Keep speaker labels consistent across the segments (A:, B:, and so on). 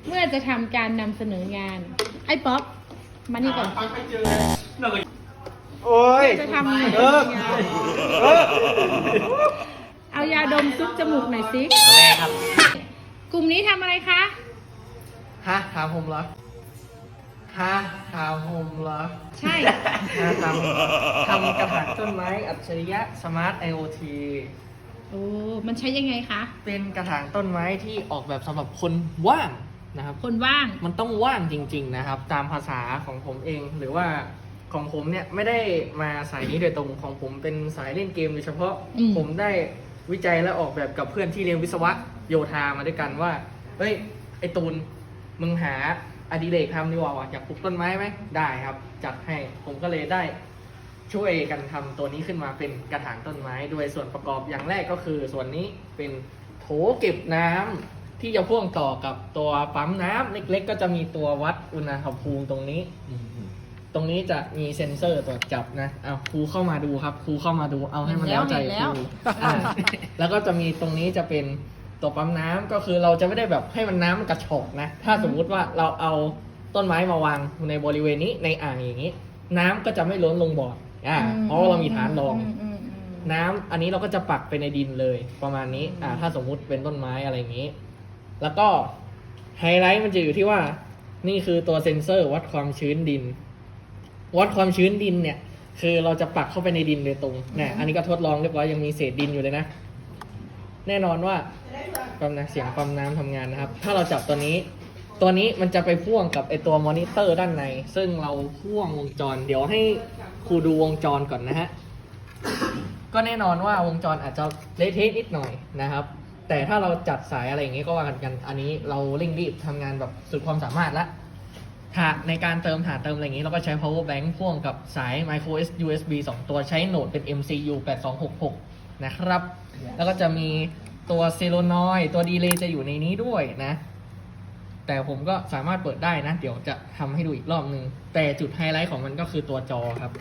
A: เมื่อจะทำการนำเสนองาน ไอ้ป๊อปมานี่ก่อน
B: โอ้ย
A: จะทำงานเอายาดมซุปจมูกหน่อยสิ
B: แม่ครับ
A: กลุ่มนี้ทำอะไรคะ
B: ฮะถามผมเหรอฮะถามผมเหรอ
A: ใช่
B: ฮะทำกระถางต้นไม้อัจฉริยะสมาร์ท IoT
A: โอ้มันใช้ยังไงคะ
B: เป็นกระถางต้นไม้ที่ออกแบบสำหรับคนว่างนะครับ
A: คนว่าง
B: มันต้องว่างจริงๆนะครับ ตามภาษาของผมเองหรือว่าของผมเนี่ยไม่ได้มาสายนี้โดยตรงของผมเป็นสายเล่นเกมโดยเฉพาะ ผมได้วิจัยและออกแบบกับเพื่อนที่เรียนวิศวะโยธามาด้วยกันว่าเฮ้ยไอตูนมึงหาอดิเรกทำดีกว่าอยากปลูกต้นไม้ไหมได้ครับ จัดให้ผมก็เลยได้ช่วยกันทำตัวนี้ขึ้นมาเป็นกระถางต้นไม้โดยส่วนประกอบอย่างแรกก็คือส่วนนี้เป็นโถเก็บน้ำที่จะพ่วงต่อกับตัวปั๊มน้ำเล็กๆก็จะมีตัววัดอุณหภูมิตรงนี้ ตรงนี้จะมีเซ็นเซอร์ตรวจจับนะเอาครูเข้ามาดูครับครูเข้ามาดูเอาให้มันแล้วใจครูแล้วก็จะมีตรงนี้จะเป็นตัวปั๊มน้ำก็คือเราจะไม่ได้แบบให้มันน้ำมันกระชอกนะถ้าสมมุติว่าเราเอาต้นไม้มาวางในบริเวณนี้ในอ่างอย่างนี้ น้ำก็จะไม่ล้นลงบ่อเพราะว่าเรามีฐานรองน้ำอันนี้เราก็จะปักไปในดินเลยประมาณนี้ถ้าสมมุติเป็นต้นไม้อะไรอย่างนี้ แล้วก็ไฮไลท์มันจะอยู่ที่ว่านี่คือตัวเซ็นเซอร์วัดความชื้นดินวัดความชื้นดินเนี่ยคือเราจะปักเข้าไปในดินโดยตรงเนี่ยอันนี้ก็ทดลองเรียบร้อยยังมีเศษดินอยู่เลยนะแน่นอนว่าปั๊มนะเสียงปั๊มน้ำทำงานนะครับถ้าเราจับตัวนี้มันจะไปพ่วงกับไอตัวมอนิเตอร์ด้านในซึ่งเราพ่วงวงจรเดี๋ยวให้ครูดูวงจรก่อนนะฮะก็แน่นอนว่าวงจรอาจจะเละเทะนิดหน่อยนะครับแต่ถ้าเราจัดสายอะไรอย่างงี้ก็ว่ากันอันนี้เราเร่งรีบทำงานแบบสุดความสามารถละในการเติมฐานเติมอะไรอย่างนี้เราก็ใช้ power bank พ่วงกับสาย micro USB 2 ตัวใช้โหนดเป็น MCU 8266นะครับแล้วก็จะมีตัวเซโลนอยตัวดีเลย์จะอยู่ในนี้ด้วยนะแต่ผมก็สามารถเปิดได้นะเดี๋ยวจะทำให้ดูอีกรอบนึงแต่จุดไฮไลท์ของมันก็คือตัวจอครับ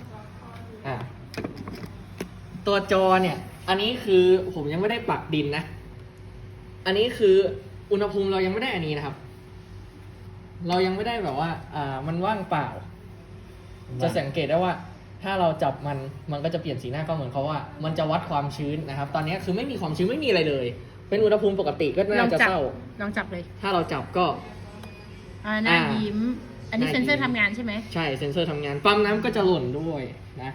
B: ตัวจอเนี่ยอันนี้คือผมยังไม่ได้ปักดินนะอันนี้คืออุณหภูมิเรายังไม่ได้อันนี้นะครับเรายังไม่ได้แบบว่ามันว่างเปล่าจะสังเกตได้ว่าถ้าเราจับมันก็จะเปลี่ยนสีหน้าก็เหมือนเขาว่ามันจะวัดความชื้นนะครับตอนนี้คือไม่มีความชื้นไม่มีอะไรเลยเป็นอุณหภูมิปกติก็น่าจะเศร้า
A: ลองจับเลย
B: ถ้าเราจับก็
A: หน้ายิ้มอันนี้เซ็นเซอร์ทำงานใช่ไหม
B: ใช่เซ็นเซอร์ทำงานปั๊มน้ำก็จะหล่นด้วยนะ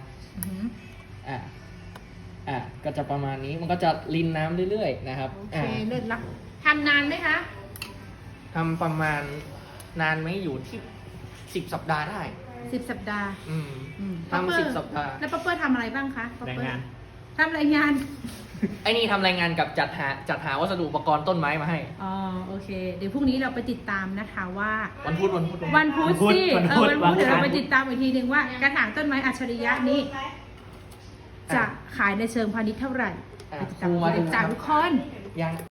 B: ก็จะประมาณนี้มันก็จะรินน้ำเรื่อยๆนะครับ
A: โอเคเลิศละทำนานไหมคะ
B: ทำประมาณนานไหมอยู่ที่10 สัปดาห์ได้
A: 10 สัปดาห์
B: ทำ10 สัปดาห์
A: แล้วป๊อปเปอร์ทำอะไรบ้างคะ
B: รายงาน
A: ทำรายงาน
B: ไอ้นี่ทำรายงานกับจัดหาวัสดุอุปกรณ์ต้นไม้มาให้
A: อ๋อโอเคเดี๋ยวพรุ่งนี้เราไปติดตามนะคะว่า
B: วันพุธสิวันพุธ
A: เดี๋ยวเราไปติดตามอีกทีหนึ่งว่ากระถางต้นไม้อัจฉริยะนี้จะขายในเชิงพาณิชย์เท่าไหร่ไปติดตามทุกคน
B: ยัง